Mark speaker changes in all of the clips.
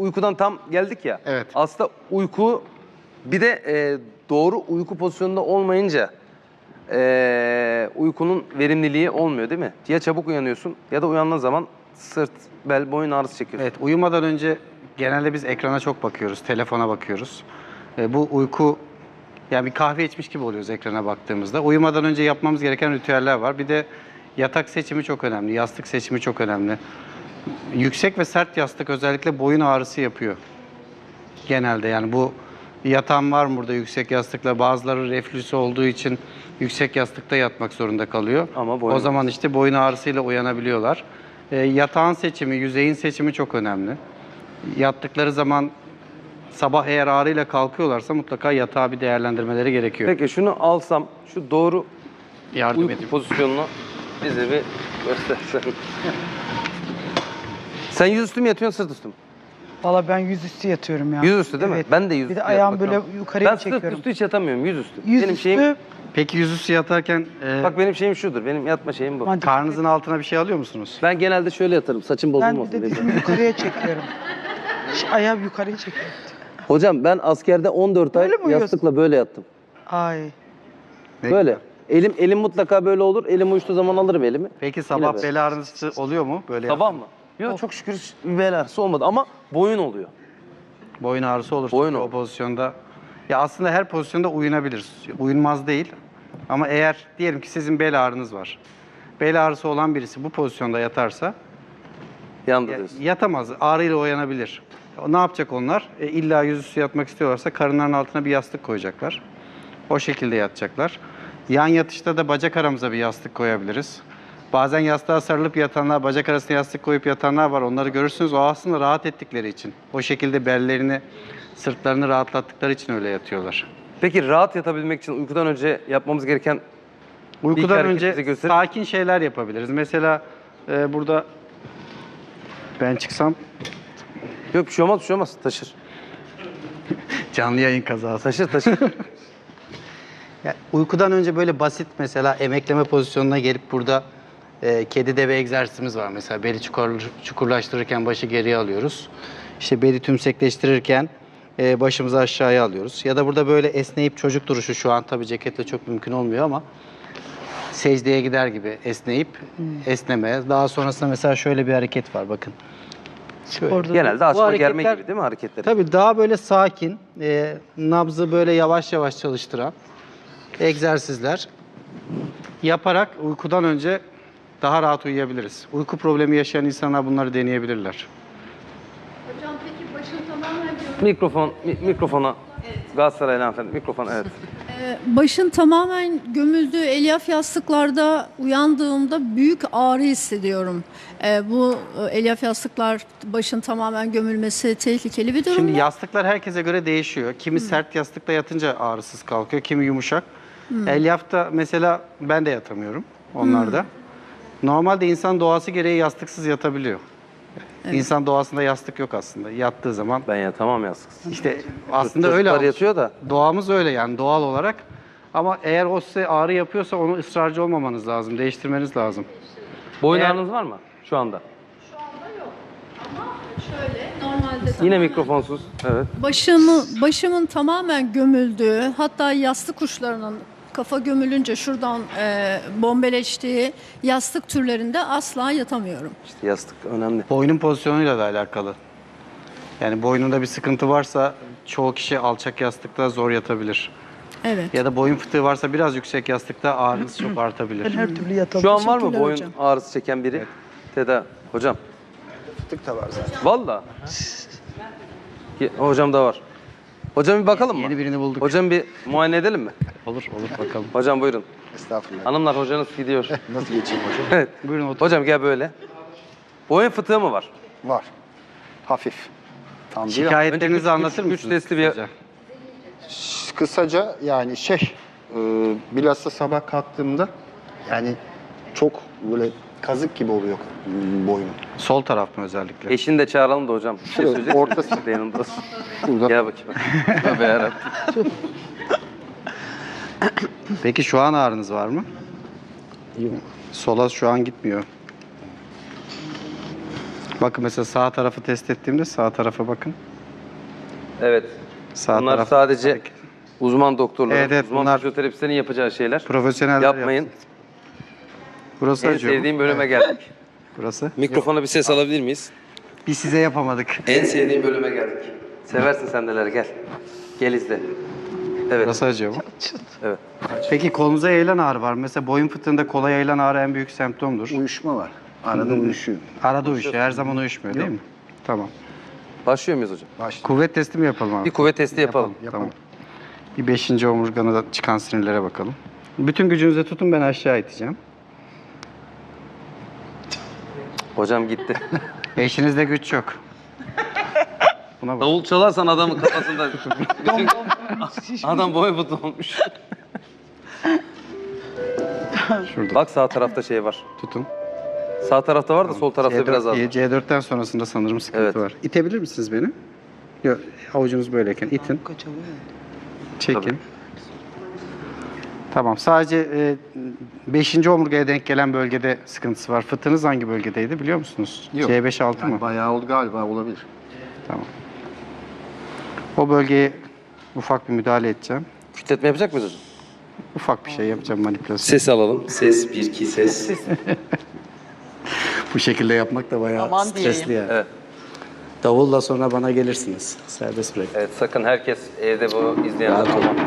Speaker 1: uykudan tam geldik ya.
Speaker 2: Evet.
Speaker 1: Aslında uyku bir de doğru uyku pozisyonunda olmayınca uykunun verimliliği olmuyor değil mi? Ya çabuk uyanıyorsun ya da uyandığın zaman sırt, bel, boyun ağrısı çekiyorsun.
Speaker 2: Evet, uyumadan önce genelde biz ekrana çok bakıyoruz, telefona bakıyoruz. Bu uyku, yani bir kahve içmiş gibi oluyoruz ekrana baktığımızda. Uyumadan önce yapmamız gereken ritüeller var. Bir de yatak seçimi çok önemli, yastık seçimi çok önemli. Yüksek ve sert yastık özellikle boyun ağrısı yapıyor. Genelde yani bu yatan var mı burada yüksek yastıkla? Bazıları reflüsü olduğu için yüksek yastıkta yatmak zorunda kalıyor.
Speaker 1: Ama boyun
Speaker 2: o zaman işte boyun ağrısıyla uyanabiliyorlar. Yatağın seçimi, yüzeyin seçimi çok önemli. Yattıkları zaman sabah eğer ağrıyla kalkıyorlarsa mutlaka yatağı bir değerlendirmeleri gerekiyor.
Speaker 1: Peki şunu alsam, şu doğru
Speaker 2: Yardım
Speaker 1: uyku
Speaker 2: edeyim.
Speaker 1: pozisyonunu bize bir göstersen. Sen yüzüstü mü yatıyorsun, sırt üstü mü?
Speaker 3: Valla ben yüzüstü yatıyorum ya.
Speaker 1: Yüzüstü değil mi?
Speaker 3: Evet.
Speaker 1: Ben de yüzüstü
Speaker 3: Bir de ayağım
Speaker 1: yatmak
Speaker 3: böyle
Speaker 1: lazım.
Speaker 3: yukarıya
Speaker 1: Ben
Speaker 3: çekiyorum.
Speaker 1: sırt üstü hiç yatamıyorum, yüzüstü.
Speaker 3: Yüzüstü,
Speaker 1: Benim şeyim,
Speaker 2: Peki yüzüstü yatarken
Speaker 1: bak benim şeyim şudur, benim yatma şeyim bu.
Speaker 3: Hadi.
Speaker 2: karnınızın altına bir şey alıyor musunuz?
Speaker 1: Ben genelde şöyle yatarım, saçım
Speaker 3: Ben bir
Speaker 1: bozulmasın
Speaker 3: de
Speaker 1: diye.
Speaker 3: dizimi yukarıya çekiyorum. Ayağım yukarıya çekiyorum.
Speaker 1: Hocam ben askerde 14 ay
Speaker 3: Böyle mi uyuyorsun?
Speaker 1: yastıkla böyle yattım.
Speaker 3: Ay.
Speaker 2: Ne
Speaker 1: Böyle. Elim mutlaka böyle olur. Elim uyuştuğu zaman alırım elimi.
Speaker 2: Peki
Speaker 1: Yine
Speaker 2: sabah
Speaker 1: böyle.
Speaker 2: bel ağrısı oluyor mu? Böyle
Speaker 1: Sabah mı? Yok çok şükür hiç bel ağrısı olmadı ama boyun oluyor.
Speaker 2: boyun ağrısı olur.
Speaker 1: Boyun
Speaker 2: o
Speaker 1: olur.
Speaker 2: pozisyonda. Ya aslında her pozisyonda uyunabilir. Uyunmaz değil. Ama eğer diyelim ki sizin bel ağrınız var. Bel ağrısı olan birisi bu pozisyonda yatarsa
Speaker 1: Yandı diyorsun.
Speaker 2: yatamaz. Ağrıyla uyanabilir. Ne yapacak onlar? İlla yüzüstü yatmak istiyorlarsa karınlarının altına bir yastık koyacaklar. O şekilde yatacaklar. Yan yatışta da bacak aramıza bir yastık koyabiliriz. Bazen yastığa sarılıp yatanlar, bacak arasına yastık koyup yatanlar var. Onları görürsünüz. O aslında rahat ettikleri için. O şekilde bellerini, sırtlarını rahatlattıkları için öyle yatıyorlar.
Speaker 1: Peki rahat yatabilmek için uykudan önce yapmamız gereken
Speaker 2: Uykudan
Speaker 1: hareket bize
Speaker 2: önce
Speaker 1: gösterir
Speaker 2: sakin şeyler yapabiliriz. Mesela burada ben çıksam
Speaker 1: yok bir şey olmaz, bir şey olmaz. Taşır.
Speaker 2: canlı yayın kazası.
Speaker 1: Taşır.
Speaker 2: Ya, uykudan önce böyle basit mesela emekleme pozisyonuna gelip burada kedi deve egzersizimiz var. Mesela beli çukurlaştırırken başı geriye alıyoruz. İşte beli tümsekleştirirken başımızı aşağıya alıyoruz. Ya da burada böyle esneyip çocuk duruşu, şu an tabii ceketle çok mümkün olmuyor ama secdeye gider gibi esneyip esneme. Daha sonrasında mesela şöyle bir hareket var bakın.
Speaker 3: Orada
Speaker 1: Genelde
Speaker 2: Bu
Speaker 1: açma germe
Speaker 2: hareketler-
Speaker 1: gibi değil mi hareketler?
Speaker 2: Tabii daha böyle sakin, nabzı böyle yavaş yavaş çalıştıran egzersizler yaparak uykudan önce daha rahat uyuyabiliriz. Uyku problemi yaşayan insanlar bunları deneyebilirler.
Speaker 4: Hocam peki başın tamamen
Speaker 1: Mikrofona. Galatasaraylı hanımefendi. Mikrofon evet.
Speaker 4: başın tamamen gömüldüğü elyaf yastıklarda uyandığımda büyük ağrı hissediyorum. Bu elyaf yastıklar başın tamamen gömülmesi tehlikeli bir durum
Speaker 2: Şimdi
Speaker 4: mu?
Speaker 2: yastıklar herkese göre değişiyor. Kimi sert yastıkta yatınca ağrısız kalkıyor, kimi yumuşak. Elyafta mesela ben de yatamıyorum onlarda. Normalde insan doğası gereği yastıksız yatabiliyor. İnsan doğasında yastık yok aslında. Yattığı zaman
Speaker 1: Ben yatamam yastıksız.
Speaker 2: işte aslında öyle.
Speaker 1: Çocuklar yatıyor da.
Speaker 2: Doğamız öyle yani doğal olarak. Ama eğer o size ağrı yapıyorsa onu ısrarcı olmamanız lazım. Değiştirmeniz lazım.
Speaker 1: Boyun
Speaker 2: Eğer-
Speaker 1: ağrınız var mı şu anda?
Speaker 4: Şu anda yok. Ama şöyle normalde
Speaker 1: Yine
Speaker 4: tamamen
Speaker 1: mikrofonsuz. Evet.
Speaker 4: başımın tamamen gömüldüğü, hatta yastık uçlarının kafa gömülünce şuradan bombeleştiği yastık türlerinde asla yatamıyorum.
Speaker 1: İşte yastık önemli.
Speaker 2: Boynun pozisyonuyla da alakalı. Yani boynunda bir sıkıntı varsa çoğu kişi alçak yastıkta zor yatabilir.
Speaker 4: Evet.
Speaker 2: Ya da boyun fıtığı varsa biraz yüksek yastıkta ağrınız çok
Speaker 3: Ben
Speaker 2: artabilir.
Speaker 3: her türlü yatalım.
Speaker 1: Şu an var mı
Speaker 4: Teşekkürler
Speaker 1: boyun
Speaker 4: hocam.
Speaker 1: ağrısı çeken biri? Teda. Hocam.
Speaker 5: Fıtık da var zaten.
Speaker 1: Valla. Hocam da var. Hocam bir bakalım mı?
Speaker 2: Yeni birini bulduk.
Speaker 1: Hocam bir muayene edelim mi?
Speaker 2: Olur bakalım.
Speaker 1: Hocam buyurun.
Speaker 5: Estağfurullah.
Speaker 1: Hanımlar hocanız gidiyor.
Speaker 5: Nasıl geçeyim hocam?
Speaker 1: Evet.
Speaker 2: Buyurun otur.
Speaker 1: Hocam gel böyle. Boyun fıtığı mı var?
Speaker 5: Var. Hafif. Tam değil.
Speaker 2: Şikayetlerinizi
Speaker 1: Önce
Speaker 2: anlatır
Speaker 1: üç
Speaker 2: mısınız?
Speaker 1: testli bir-
Speaker 2: kısaca?
Speaker 5: Kısaca yani bilhassa sabah kalktığımda yani çok böyle kazık gibi oluyor boynum.
Speaker 2: Sol taraf mı özellikle?
Speaker 1: Eşini de çağıralım da hocam. Bir şey
Speaker 5: Şurada,
Speaker 1: söyleyecek
Speaker 5: ortası.
Speaker 1: misin? Yanında olsun.
Speaker 5: Burada.
Speaker 1: Gel bakayım. Tövbe yarabbim.
Speaker 2: Peki şu an ağrınız var mı? Sola şu an gitmiyor. Bakın mesela sağ tarafı test ettiğimde sağ tarafa bakın.
Speaker 1: Evet.
Speaker 2: Sağ
Speaker 1: Bunlar
Speaker 2: taraf
Speaker 1: sadece uzman doktorların,
Speaker 2: Evet, evet,
Speaker 1: uzman
Speaker 2: bunlar
Speaker 1: fizyoterapistlerin yapacağı şeyler.
Speaker 2: profesyoneller
Speaker 1: Yapmayın.
Speaker 2: yapsın. Burası
Speaker 1: En
Speaker 2: acıyor mu?
Speaker 1: sevdiğim bölüme geldik.
Speaker 2: Burası.
Speaker 1: Mikrofona bir ses alabilir miyiz?
Speaker 2: Biz size yapamadık.
Speaker 1: En sevdiğim bölüme geldik. Seversin sen neler, gel. Gel izle. Evet.
Speaker 2: Burası acıyor mu?
Speaker 1: Evet.
Speaker 2: Peki kolunuza yayılan ağrı var mı? Mesela boyun fıtığında kola yayılan ağrı en büyük semptomdur.
Speaker 5: Uyuşma var. Arada uyuşuyor.
Speaker 2: Arada uyuşuyor. Her zaman uyuşmuyor değil mi? Tamam.
Speaker 1: Başlıyor muyuz hocam?
Speaker 5: Başla.
Speaker 2: Kuvvet testi mi yapalım abi?
Speaker 1: Bir kuvvet testi yapalım.
Speaker 2: Tamam. Bir 5. omurgana çıkan sinirlere bakalım. Bütün gücünüzle tutun, ben aşağı iteceğim.
Speaker 1: Hocam gitti.
Speaker 2: Eşinizde güç yok. Buna bak.
Speaker 1: Davul çalarsan adamın kafasında bütün adam boy butu olmuş.
Speaker 2: Şurada
Speaker 1: Bak sağ tarafta şey var.
Speaker 2: tutun.
Speaker 1: Sağ tarafta var da sol tarafta biraz az.
Speaker 2: C4'ten sonrasında sanırım sıkıntı
Speaker 1: Evet.
Speaker 2: var. İtebilir misiniz beni? Yok, avucunuz böyleyken itin.
Speaker 3: Kaçalım.
Speaker 2: Çekin.
Speaker 1: Tabii.
Speaker 2: Tamam. Sadece 5. omurgaya denk gelen bölgede sıkıntısı var. Fıtığınız hangi bölgedeydi biliyor musunuz?
Speaker 5: Yok.
Speaker 2: C5-6 mı?
Speaker 5: Bayağı oldu galiba, olabilir.
Speaker 2: Tamam. O bölgeye ufak bir müdahale edeceğim.
Speaker 1: Kütletme yapacak mıyız hocam?
Speaker 2: Ufak bir şey yapacağım, manipülasyon.
Speaker 1: Ses alalım. Ses 1 2 ses.
Speaker 2: Bu şekilde yapmak da bayağı
Speaker 3: Aman
Speaker 2: stresli
Speaker 3: diyeyim.
Speaker 2: yani.
Speaker 1: Evet.
Speaker 2: Davulla sonra bana gelirsiniz. Serbest bırak.
Speaker 1: Evet sakın herkes evde bu izleyenler
Speaker 2: Rahat
Speaker 1: ama.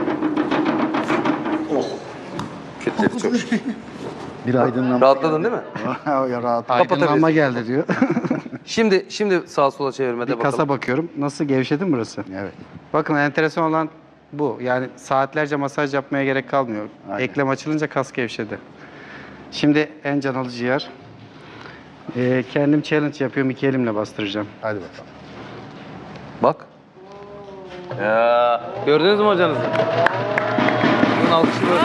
Speaker 1: Oh. Kütledi çok şükür.
Speaker 5: Bir aydınlanma.
Speaker 1: Rahatladın değil mi?
Speaker 5: Ya rahat.
Speaker 2: Aydınlanma geldi diyor.
Speaker 1: Şimdi sağa sola çevirmede
Speaker 2: Bir
Speaker 1: bakalım.
Speaker 2: kasa bakıyorum. Nasıl, gevşedi mi burası?
Speaker 5: Evet.
Speaker 2: Bakın enteresan olan bu. Yani saatlerce masaj yapmaya gerek kalmıyor.
Speaker 5: Aynen.
Speaker 2: Eklem açılınca kas gevşedi. Şimdi en can alıcı yer. Kendim challenge yapıyorum. 2 elimle bastıracağım.
Speaker 5: Hadi bakalım.
Speaker 1: Bak. Ya gördünüz mü hocanızı? Bunun alkışı böyle.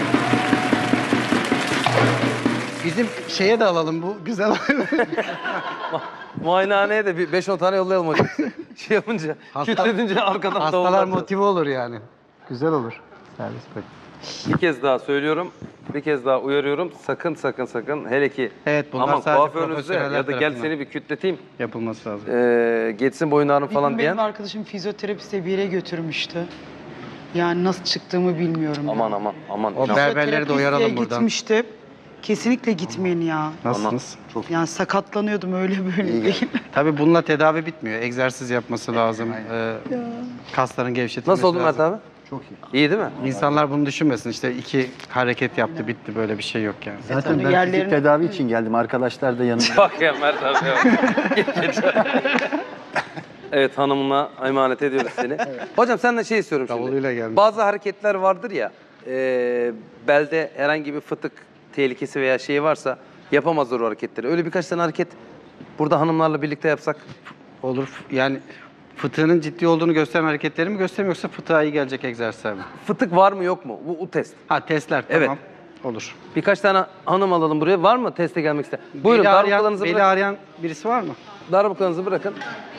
Speaker 2: Bizim şeye de alalım bu. Güzel.
Speaker 1: Muayenehaneye de bir 5-10 tane yollayalım hocam. Şey yapınca, kütledince arkadan
Speaker 2: Hastalar
Speaker 1: davullar.
Speaker 2: motive olur yani. Güzel olur. Servis bırak.
Speaker 1: Bir kez daha söylüyorum, bir kez daha uyarıyorum. Sakın sakın sakın hele ki
Speaker 2: Evet, bunlar
Speaker 1: aman
Speaker 2: sadece
Speaker 1: kuaförünüzde
Speaker 2: profesyoneller
Speaker 1: ya da gel
Speaker 2: tarafından.
Speaker 1: seni bir kütleteyim,
Speaker 2: Yapılması lazım.
Speaker 1: geçsin boyun ağrın
Speaker 3: Bir
Speaker 1: falan
Speaker 3: gün
Speaker 1: diyen.
Speaker 3: benim arkadaşım fizyoterapiste bir yere götürmüştü. Yani nasıl çıktığımı bilmiyorum.
Speaker 1: Aman aman aman.
Speaker 2: O
Speaker 1: İnan-
Speaker 2: berberleri de uyaralım
Speaker 3: Fizyoterapistliğe
Speaker 2: buradan.
Speaker 3: gitmiştim. Kesinlikle gitmeyin ya.
Speaker 2: Nasılsınız?
Speaker 3: Yani sakatlanıyordum öyle böyle
Speaker 5: İyi
Speaker 3: değil.
Speaker 2: Tabii bununla tedavi bitmiyor. Egzersiz yapması lazım. Kasların gevşetilmesi
Speaker 1: Nasıl oldun Mert
Speaker 2: lazım.
Speaker 1: abi?
Speaker 5: Çok iyi.
Speaker 1: İyi değil mi?
Speaker 2: İnsanlar bunu düşünmesin. İşte 2 hareket yaptı, bitti. Böyle bir şey yok yani.
Speaker 5: Zaten
Speaker 3: tabii
Speaker 5: ben
Speaker 3: yerlerini-
Speaker 5: fizik tedavi için geldim. Arkadaşlar da yanımda.
Speaker 1: Bak ya Mert abi. ya. Evet hanımına emanet ediyoruz seni. Hocam senden şey istiyorum şimdi.
Speaker 2: Davuluyla gelmiş.
Speaker 1: Bazı hareketler vardır ya, belde herhangi bir fıtık tehlikesi veya şey varsa yapamazlar o hareketleri. Öyle birkaç tane hareket burada hanımlarla birlikte yapsak.
Speaker 2: Olur. Yani fıtığının ciddi olduğunu gösteren hareketleri mi göstereyim, yoksa fıtığa iyi gelecek egzersizler mi?
Speaker 1: Fıtık var mı yok mu? Bu test.
Speaker 2: Ha, testler,
Speaker 1: Evet.
Speaker 2: tamam. Olur.
Speaker 1: Birkaç tane hanım alalım buraya. Var mı teste gelmek isteyen? Buyurun darbuklarınızı
Speaker 2: beli
Speaker 1: bırakın.
Speaker 2: ağrıyan birisi var mı?
Speaker 1: Darbuklarınızı bırakın.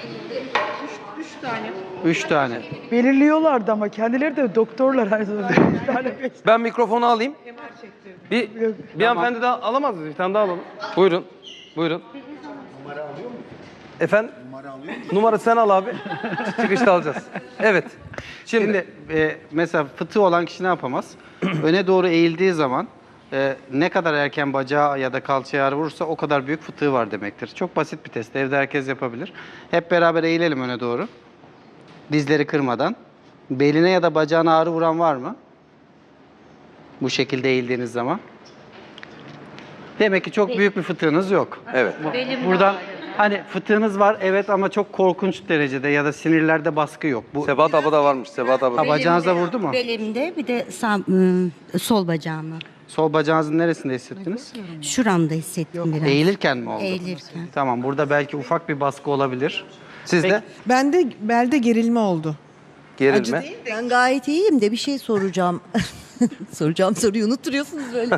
Speaker 2: 3 tane.
Speaker 3: Belirliyorlardı ama kendileri de doktorlar her zaman.
Speaker 1: Ben mikrofonu alayım. Bir hanımefendi daha alamaz mıyız? Bir tane daha alalım. Buyurun. Buyurun. Numara alıyor mu? Efendim? Numara sen al abi. Çıkışta alacağız. Evet.
Speaker 2: Şimdi mesela fıtığı olan kişi ne yapamaz? Öne doğru eğildiği zaman ne kadar erken bacağı ya da kalçaya ağrı vurursa o kadar büyük fıtığı var demektir. Çok basit bir test. Evde herkes yapabilir. Hep beraber eğilelim öne doğru. Dizleri kırmadan. Beline ya da bacağına ağrı vuran var mı? Bu şekilde eğildiğiniz zaman. Demek ki çok büyük bir fıtığınız yok.
Speaker 1: Evet.
Speaker 2: Buradan hani fıtığınız var evet, ama çok korkunç derecede ya da sinirlerde baskı yok. Bu
Speaker 1: Sebat abla da varmış. Sebat abla.
Speaker 2: Ha, bacağınıza vurdu mu?
Speaker 6: Belimde bir de sol bacağıma.
Speaker 2: Sol bacağınızın neresinde hissettiniz?
Speaker 6: Şuramda hissettim biraz.
Speaker 2: Eğilirken mi oldu?
Speaker 6: Eğilirken.
Speaker 2: Tamam, burada belki ufak bir baskı olabilir.
Speaker 1: Sizde
Speaker 7: Bende belde gerilme oldu.
Speaker 1: gerilme.
Speaker 8: Ben gayet iyiyim de bir şey soracağım. Soracağım soruyu unutturuyorsunuz böyle.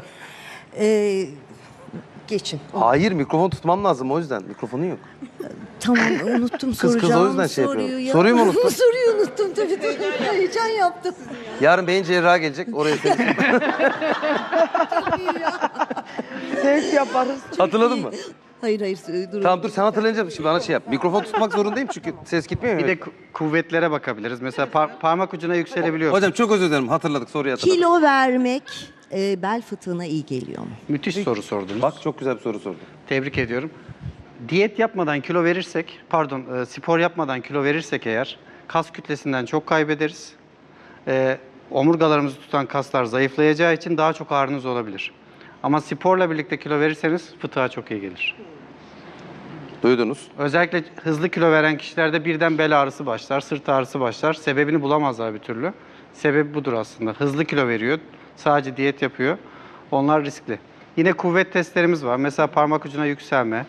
Speaker 8: Geçin.
Speaker 1: Hayır mikrofon tutmam lazım o yüzden. Mikrofonun yok.
Speaker 8: Tamam unuttum
Speaker 1: Kız o
Speaker 8: soracağım
Speaker 1: yüzden şey
Speaker 8: soruyu
Speaker 1: yapıyorum.
Speaker 8: ya.
Speaker 1: Soruyu mu unuttun?
Speaker 8: Soruyu unuttum tabii. Heyecan yaptım.
Speaker 1: Yarın beyin cerrahı gelecek. Oraya seni.
Speaker 3: Sevk yaparız.
Speaker 1: Hatırladın mı?
Speaker 8: Hayır dur.
Speaker 1: Tamam dur sen hatırlayınca şimdi bana şey yap. Mikrofon tutmak zorundayım çünkü ses gitmiyor
Speaker 2: Bir
Speaker 1: ya.
Speaker 2: de kuvvetlere bakabiliriz. Mesela parmak ucuna yükselebiliyor.
Speaker 1: Hocam çok özür dilerim hatırladık soruyu hatırladık.
Speaker 8: Kilo vermek bel fıtığına iyi geliyor mu?
Speaker 2: Müthiş soru sordunuz.
Speaker 1: Bak çok güzel bir soru sordun.
Speaker 2: Tebrik ediyorum. Diyet yapmadan kilo verirsek, spor yapmadan kilo verirsek eğer kas kütlesinden çok kaybederiz. Omurgalarımızı tutan kaslar zayıflayacağı için daha çok ağrınız olabilir. Ama sporla birlikte kilo verirseniz fıtığa çok iyi gelir.
Speaker 1: Duydunuz.
Speaker 2: Özellikle hızlı kilo veren kişilerde birden bel ağrısı başlar, sırt ağrısı başlar. Sebebini bulamazlar bir türlü. Sebebi budur aslında. Hızlı kilo veriyor, sadece diyet yapıyor. Onlar riskli. Yine kuvvet testlerimiz var. Mesela parmak ucuna yükselme.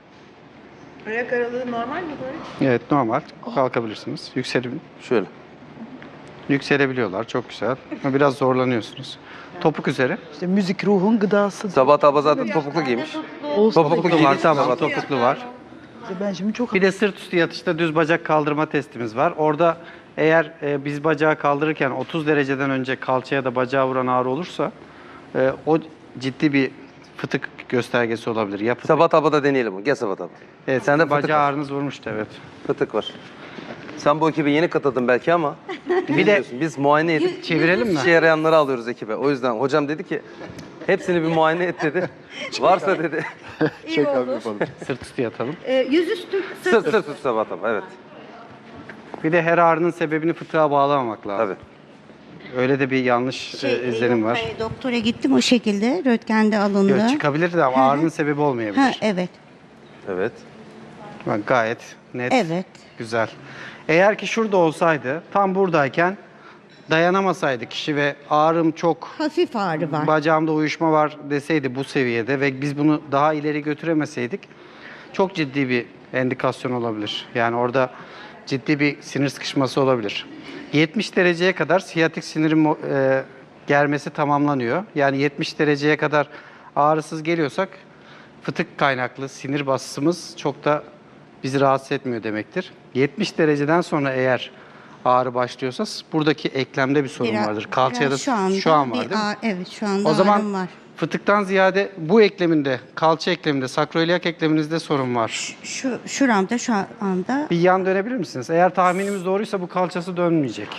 Speaker 7: Ayak aralığı normal mi böyle?
Speaker 2: Evet, normal. Kalkabilirsiniz.
Speaker 1: Şöyle.
Speaker 2: Yükselebiliyorlar. Çok güzel. Ama biraz zorlanıyorsunuz. Topuk üzeri.
Speaker 3: İşte müzik ruhun gıdası.
Speaker 1: Sabah abla zaten topuklu giymiş.
Speaker 3: Olsun.
Speaker 1: Topuklu
Speaker 2: Var,
Speaker 1: giymiş.
Speaker 2: tamam.
Speaker 1: Sabah
Speaker 2: Topuklu var.
Speaker 3: Ben şimdi çok
Speaker 2: Bir de sırt üstü yatışta düz bacak kaldırma testimiz var. Orada eğer biz bacağı kaldırırken 30 dereceden önce kalçaya da bacağa vuran ağrı olursa o ciddi bir fıtık göstergesi olabilir. Ya fıtık,
Speaker 1: Sabah abla da deneyelim. Gel Sabah abla.
Speaker 2: evet,
Speaker 1: Sende fıtık
Speaker 2: bacağı
Speaker 1: var.
Speaker 2: ağrınız vurmuştu, evet.
Speaker 1: Fıtık var. Sen bu ekibe yeni katıldın belki ama
Speaker 2: Bir de
Speaker 1: biz muayene edip
Speaker 2: çevirelim mi?
Speaker 1: işe yarayanları alıyoruz ekibe. O yüzden hocam dedi ki hepsini bir muayene et dedi. Varsa dedi.
Speaker 5: Check up yapalım.
Speaker 2: Sırt üstü yatalım.
Speaker 6: Yüzüstü
Speaker 1: Sırt tut Sabah abla evet.
Speaker 2: Bir de her ağrının sebebini fıtığa bağlamamak lazım.
Speaker 1: Tabii.
Speaker 2: Öyle de bir yanlış izlenim var.
Speaker 6: Doktora gittim o şekilde. Röntgende alındı.
Speaker 2: Yok, çıkabilir de ama ağrının sebebi olmayabilir.
Speaker 6: Ha, evet.
Speaker 1: Evet.
Speaker 2: Bak, gayet net.
Speaker 6: Evet.
Speaker 2: Güzel. Eğer ki şurada olsaydı, tam buradayken dayanamasaydı kişi ve ağrım çok,
Speaker 6: Hafif ağrı var.
Speaker 2: bacağımda uyuşma var deseydi bu seviyede ve biz bunu daha ileri götüremeseydik çok ciddi bir endikasyon olabilir. Yani orada ciddi bir sinir sıkışması olabilir. 70 dereceye kadar siyatik sinirin germesi tamamlanıyor. Yani 70 dereceye kadar ağrısız geliyorsak fıtık kaynaklı sinir basısımız çok da bizi rahatsız etmiyor demektir. 70 dereceden sonra eğer ağrı başlıyorsa buradaki eklemde bir sorun vardır. Kalçaya da şu an var değil mi?
Speaker 6: Evet, şu anda
Speaker 2: O zaman
Speaker 6: ağrım var.
Speaker 2: fıtıktan ziyade bu ekleminde, kalça ekleminde, sakroiliak ekleminizde sorun var.
Speaker 6: Şuramda şu anda
Speaker 2: Bir yan dönebilir misiniz? Eğer tahminimiz doğruysa bu kalçası dönmeyecek.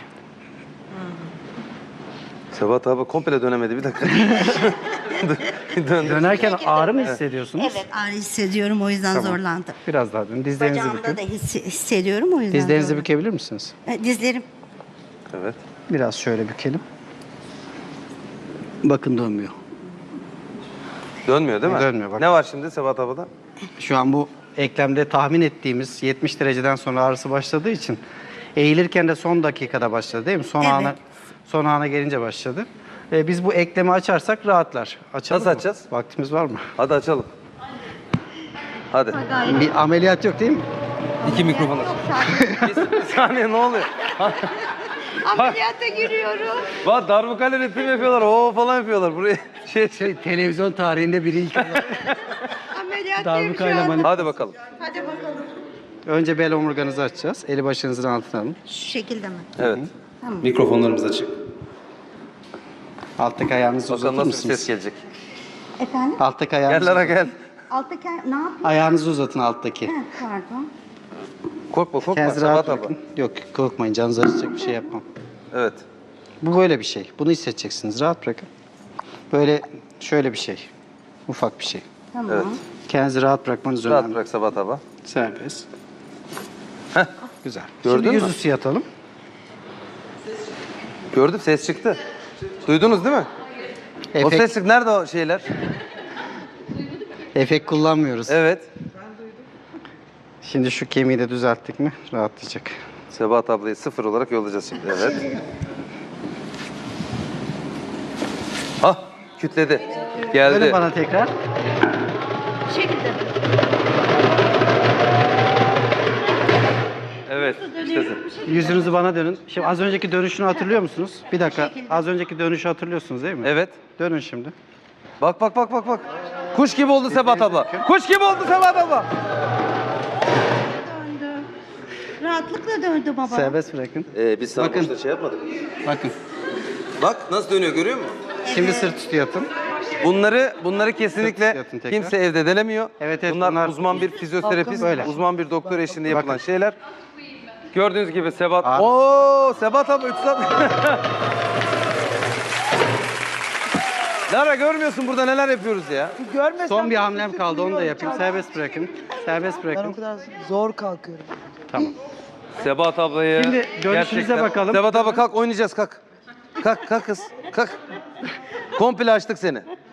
Speaker 1: Sabah abla komple dönemedi bir dakika. Döndü.
Speaker 2: Dönerken ağrı mı hissediyorsunuz?
Speaker 6: evet ağrı hissediyorum, o yüzden zorlandım.
Speaker 2: Biraz daha dönün. Dizlerinizi
Speaker 6: Bacağımda da
Speaker 2: bükün.
Speaker 6: hissediyorum, o yüzden
Speaker 2: Dizlerinizi
Speaker 6: zorlandım.
Speaker 2: bükebilir misiniz?
Speaker 6: Dizlerim.
Speaker 1: Evet.
Speaker 2: Biraz şöyle bükelim. Bakın dönmüyor.
Speaker 1: Dönmüyor değil mi?
Speaker 2: Dönmüyor, bak.
Speaker 1: Ne var şimdi Sabah ablada?
Speaker 2: Şu an bu eklemde tahmin ettiğimiz 70 dereceden sonra ağrısı başladığı için eğilirken de son dakikada başladı değil mi?
Speaker 6: Evet.
Speaker 2: Son ana gelince başladı. Biz bu eklemi açarsak rahatlar. Açalım
Speaker 1: Nasıl
Speaker 2: mı?
Speaker 1: açacağız?
Speaker 2: Vaktimiz var mı?
Speaker 1: Hadi açalım. Hadi.
Speaker 2: Bir ameliyat yok değil mi?
Speaker 1: İki mikrofon aç. Bir saniye ne oluyor?
Speaker 6: Ameliyata giriyorum.
Speaker 1: Bak darbukayla ritim yapıyorlar. Oo falan yapıyorlar. Buraya
Speaker 2: Televizyon tarihinde biri ilk
Speaker 6: Ameliyattayım şu an.
Speaker 1: Hadi bakalım.
Speaker 6: Hadi bakalım.
Speaker 2: Önce bel omurganızı açacağız. Eli başınızın altına alın.
Speaker 6: Şu şekilde mi?
Speaker 1: Evet. Mikrofonlarımız açık.
Speaker 2: Alttaki ayağınızı
Speaker 1: Bakalım
Speaker 2: uzatır
Speaker 1: nasıl bir
Speaker 2: mısınız?
Speaker 1: ses gelecek.
Speaker 6: Efendim?
Speaker 2: Alttaki ayağınızı,
Speaker 1: Gel Lara gel.
Speaker 6: Alttaki ne yapayım?
Speaker 2: ayağınızı uzatın alttaki.
Speaker 6: Pardon.
Speaker 1: Korkma korkma.
Speaker 2: Kendinizi
Speaker 1: Sabah
Speaker 2: rahat
Speaker 1: abla.
Speaker 2: bırakın. Yok, korkmayın, canınızı acıtacak bir şey yapmam.
Speaker 1: Evet.
Speaker 2: Bu böyle bir şey. Bunu hissedeceksiniz. Rahat bırakın. Böyle şöyle bir şey. Ufak bir şey.
Speaker 6: Tamam.
Speaker 1: Evet.
Speaker 2: Kendinizi rahat bırakmanız
Speaker 1: Rahat
Speaker 2: önemli.
Speaker 1: bırak Sabah abla.
Speaker 2: Serbest.
Speaker 1: Heh.
Speaker 2: Güzel.
Speaker 1: Gördün
Speaker 2: Şimdi
Speaker 1: mü?
Speaker 2: yüzüstü yatalım.
Speaker 1: Gördüm ses çıktı. Duydunuz değil mi? O
Speaker 2: Efekt,
Speaker 1: ses çıktı. Nerede o şeyler?
Speaker 2: efekt kullanmıyoruz.
Speaker 1: Evet.
Speaker 2: Şimdi şu kemiği de düzelttik mi rahatlayacak.
Speaker 1: Sebahat ablayı 0 olarak yollayacağız şimdi. Evet. Hah kütledi. Geldi.
Speaker 2: Dönün bana tekrar.
Speaker 1: Evet. İşte
Speaker 2: Yüzünüzü bana dönün. Şimdi az önceki dönüşünü hatırlıyor musunuz? Bir dakika. Az önceki dönüşü hatırlıyorsunuz değil mi?
Speaker 1: evet.
Speaker 2: Dönün şimdi.
Speaker 1: Bak bak bak bak bak. Kuş gibi oldu Sebahat abla. Kuş gibi oldu Sebahat abla.
Speaker 6: Döndü. Rahatlıkla döndü baba.
Speaker 2: Serbest bırakın.
Speaker 1: Biz sana
Speaker 2: Bakın.
Speaker 1: boşta şey yapmadık.
Speaker 2: Bakın.
Speaker 1: Bak nasıl dönüyor görüyor musun?
Speaker 2: Şimdi sırt üstü yatın.
Speaker 1: Bunları kesinlikle
Speaker 2: Yatın tekrar.
Speaker 1: kimse evde denemiyor.
Speaker 2: Evet,
Speaker 1: bunlar uzman bir fizyoterapist,
Speaker 2: Böyle.
Speaker 1: uzman bir doktor eşliğinde yapılan
Speaker 2: Bakın.
Speaker 1: şeyler. Gördüğünüz gibi Sebat.
Speaker 2: Abi.
Speaker 1: Oo, Sebat abi 3 saat. Lara görmüyorsun burada neler yapıyoruz ya.
Speaker 3: Görmesem
Speaker 2: Son bir
Speaker 3: de
Speaker 2: hamlem
Speaker 3: sesi
Speaker 2: kaldı, onu da
Speaker 3: duyuyorum.
Speaker 2: yapayım. Serbest bırakın. Serbest
Speaker 3: Ben o
Speaker 2: bırakın.
Speaker 3: kadar zor kalkıyorum.
Speaker 2: Tamam.
Speaker 1: Sebat ablayı
Speaker 2: Şimdi dönüşünüze
Speaker 1: gerçekten-
Speaker 2: bakalım.
Speaker 1: Sebat abla kalk oynayacağız kalk. Kalk kız kalk. Komple açtık seni.